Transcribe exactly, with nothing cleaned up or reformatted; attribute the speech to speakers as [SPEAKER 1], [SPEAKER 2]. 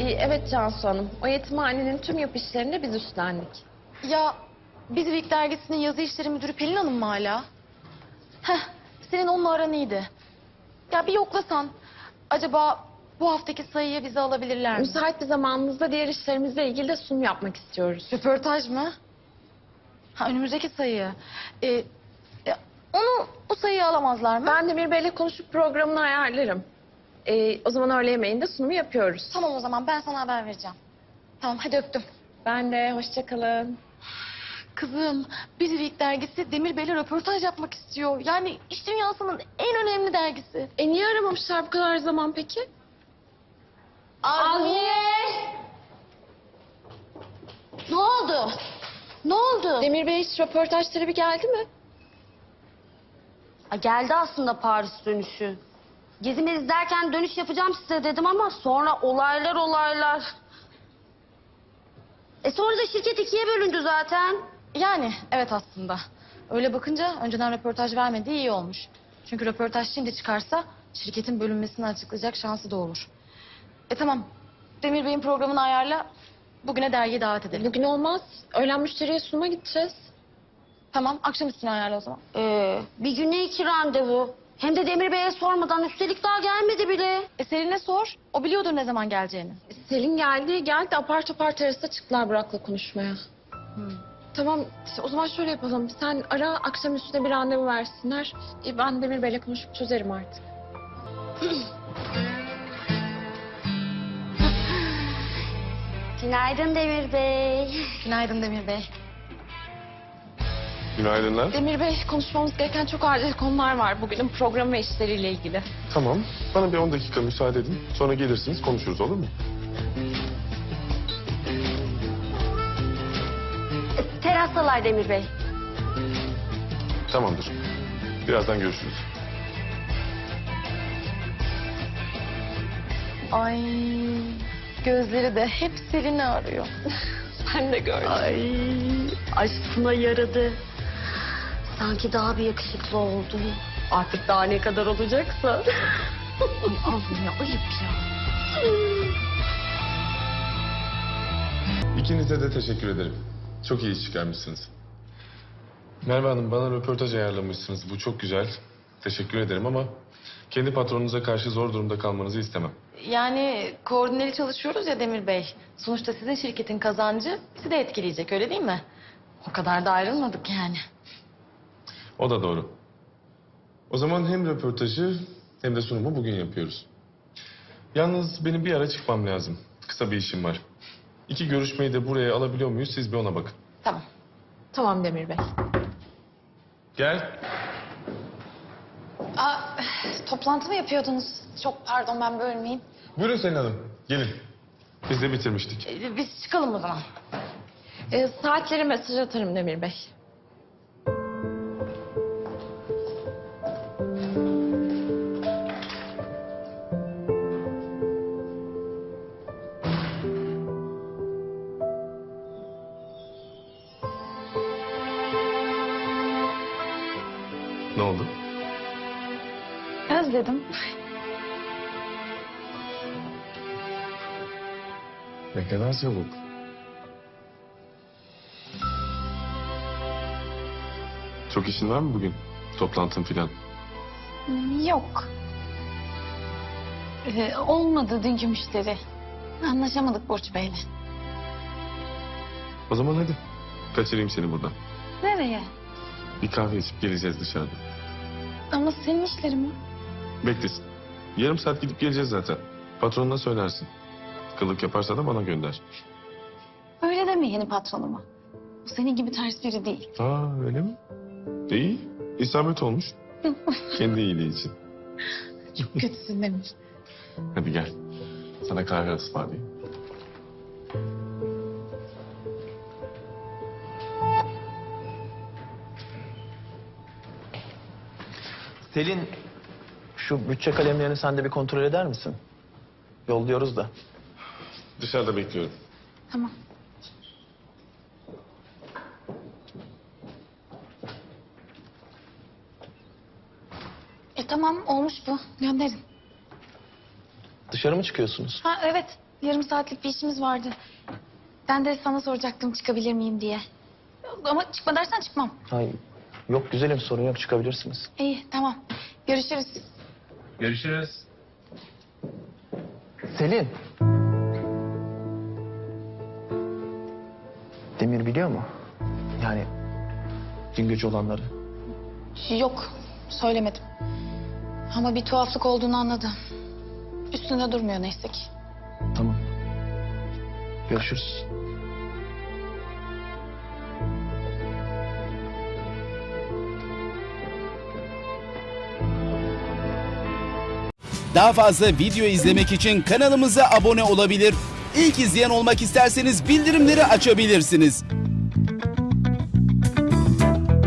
[SPEAKER 1] Ay evet Cansu Hanım. O yetimhanenin tüm yap işlerini de biz üstlendik.
[SPEAKER 2] Ya Biz Week dergisinin yazı işleri müdürü Pelin Hanım mı hala? Heh, senin onunla aran iyiydi. Ya bir yoklasan. Acaba bu haftaki sayıya bizi alabilirler mi?
[SPEAKER 1] Müsait bir zamanımızda diğer işlerimizle ilgili de sunum yapmak istiyoruz.
[SPEAKER 2] Röportaj mı? Ha önümüzdeki sayı. Ee, e, onu bu sayıyı alamazlar mı?
[SPEAKER 1] Ben Demir Bey'le konuşup programını ayarlarım. Ee, o zaman öğle yemeğinde sunumu yapıyoruz.
[SPEAKER 2] Tamam o zaman ben sana haber vereceğim. Tamam hadi öptüm.
[SPEAKER 1] Ben de hoşça kalın.
[SPEAKER 2] Kızım, Biz Week dergisi Demir Bey'le röportaj yapmak istiyor. Yani iş dünyasının en önemli dergisi.
[SPEAKER 1] E niye aramamışlar bu kadar zaman peki?
[SPEAKER 2] Azmiye! Ne oldu? Ne oldu?
[SPEAKER 1] Demir Bey hiç röportaj talebi geldi mi?
[SPEAKER 3] Ha, geldi aslında Paris dönüşü. Gezimiz derken dönüş yapacağım size dedim ama sonra olaylar olaylar. E sonra da şirket ikiye bölündü zaten.
[SPEAKER 2] Yani evet aslında. Öyle bakınca önceden röportaj vermediği iyi olmuş. Çünkü röportaj şimdi çıkarsa şirketin bölünmesini açıklayacak şansı da olur. E tamam. Demir Bey'in programını ayarla. Bugüne dergiye davet edelim.
[SPEAKER 1] Bugün olmaz. Öğlen müşteriye sunuma gideceğiz.
[SPEAKER 2] Tamam, akşam üstüne ayarla o zaman.
[SPEAKER 3] Ee, bir güne iki randevu. Hem de Demir Bey'e sormadan, üstelik daha gelmedi bile.
[SPEAKER 2] E Selin'e sor. O biliyordur ne zaman geleceğini.
[SPEAKER 1] E, Selin geldi, geldi apar topar terasta çıktılar Burak'la konuşmaya.
[SPEAKER 2] Hmm.
[SPEAKER 1] Tamam, işte o zaman şöyle yapalım. Sen ara, akşam üstüne bir randevu versinler. E, ben Demir Bey'le konuşup çözerim artık.
[SPEAKER 3] Günaydın Demir Bey.
[SPEAKER 2] Günaydın Demir Bey.
[SPEAKER 4] Günaydınlar.
[SPEAKER 1] Demir Bey, konuşmamız gereken çok acil konular var bugünün programı ve işleriyle ilgili.
[SPEAKER 4] Tamam. Bana bir on dakika müsaade edin. Sonra gelirsiniz konuşuruz, olur mu?
[SPEAKER 3] E, Terastalar Demir Bey.
[SPEAKER 4] Tamamdır. Birazdan görüşürüz.
[SPEAKER 2] Ay gözleri de hep Selin'i arıyor.
[SPEAKER 1] Ben de gördüm.
[SPEAKER 3] Ay aşkına yaradı. Sanki daha bir yakışıklı oldu. Artık daha ne kadar olacaksa.
[SPEAKER 2] Allah'ım ya ayıp ya.
[SPEAKER 4] İkinize de teşekkür ederim. Çok iyi iş çıkarmışsınız. Merve Hanım, bana röportaj ayarlamışsınız. Bu çok güzel. Teşekkür ederim ama kendi patronunuza karşı zor durumda kalmanızı istemem.
[SPEAKER 2] Yani koordineli çalışıyoruz ya Demir Bey. Sonuçta sizin şirketin kazancı bizi de etkileyecek öyle değil mi? O kadar da ayrılmadık yani.
[SPEAKER 4] O da doğru. O zaman hem röportajı hem de sunumu bugün yapıyoruz. Yalnız benim bir ara çıkmam lazım. Kısa bir işim var. İki görüşmeyi de buraya alabiliyor muyuz? Siz bir ona bakın.
[SPEAKER 2] Tamam.
[SPEAKER 1] Tamam Demir Bey.
[SPEAKER 4] Gel.
[SPEAKER 2] Aa, toplantı mı yapıyordunuz? Çok pardon ben bölmeyeyim.
[SPEAKER 4] Buyurun Selin Hanım. Gelin. Biz de bitirmiştik.
[SPEAKER 2] Ee, Biz çıkalım o zaman.
[SPEAKER 1] E, saatleri mesaj atarım Demir Bey.
[SPEAKER 4] Ne oldu?
[SPEAKER 2] Özledim.
[SPEAKER 4] Ne kadar çabuk. Çok işin var mı bugün? Toplantın filan.
[SPEAKER 2] Yok. Ee, olmadı dünkü müşteri. Anlaşamadık Burç Bey'le.
[SPEAKER 4] O zaman hadi. Kaçırayım seni buradan.
[SPEAKER 2] Nereye?
[SPEAKER 4] Bir kahve içip geleceğiz dışarıda.
[SPEAKER 2] Ama senin işlerin mi?
[SPEAKER 4] Beklesin. Yarım saat gidip geleceğiz zaten. Patronuna söylersin. Kılık yaparsa da bana gönder.
[SPEAKER 2] Öyle deme yeni patronuma. O senin gibi ters biri değil.
[SPEAKER 4] Aa öyle mi? İyi. İsabet olmuş. Kendi iyiliği için.
[SPEAKER 2] Çok kötüsün Demir.
[SPEAKER 4] Hadi gel. Sana kahve ısmarlayayım.
[SPEAKER 5] Selin, şu bütçe kalemlerini sen de bir kontrol eder misin? Yolluyoruz da.
[SPEAKER 4] Dışarıda bekliyorum.
[SPEAKER 2] Tamam. E tamam olmuş bu. Gönderin.
[SPEAKER 5] Dışarı mı çıkıyorsunuz?
[SPEAKER 2] Ha evet. yarım saatlik bir işimiz vardı. Ben de sana soracaktım çıkabilir miyim diye. Ama çıkma dersen çıkmam.
[SPEAKER 5] Hayır. Yok güzelim, sorun yok, çıkabilirsiniz.
[SPEAKER 2] İyi tamam. Görüşürüz.
[SPEAKER 4] Görüşürüz.
[SPEAKER 5] Selin. Demir biliyor mu? Yani dün gece olanları.
[SPEAKER 2] Yok söylemedim. Ama bir tuhaflık olduğunu anladı. Üstünde durmuyor neyse ki.
[SPEAKER 5] Tamam. Görüşürüz.
[SPEAKER 6] Daha fazla video izlemek için kanalımıza abone olabilir. İlk izleyen olmak isterseniz bildirimleri açabilirsiniz.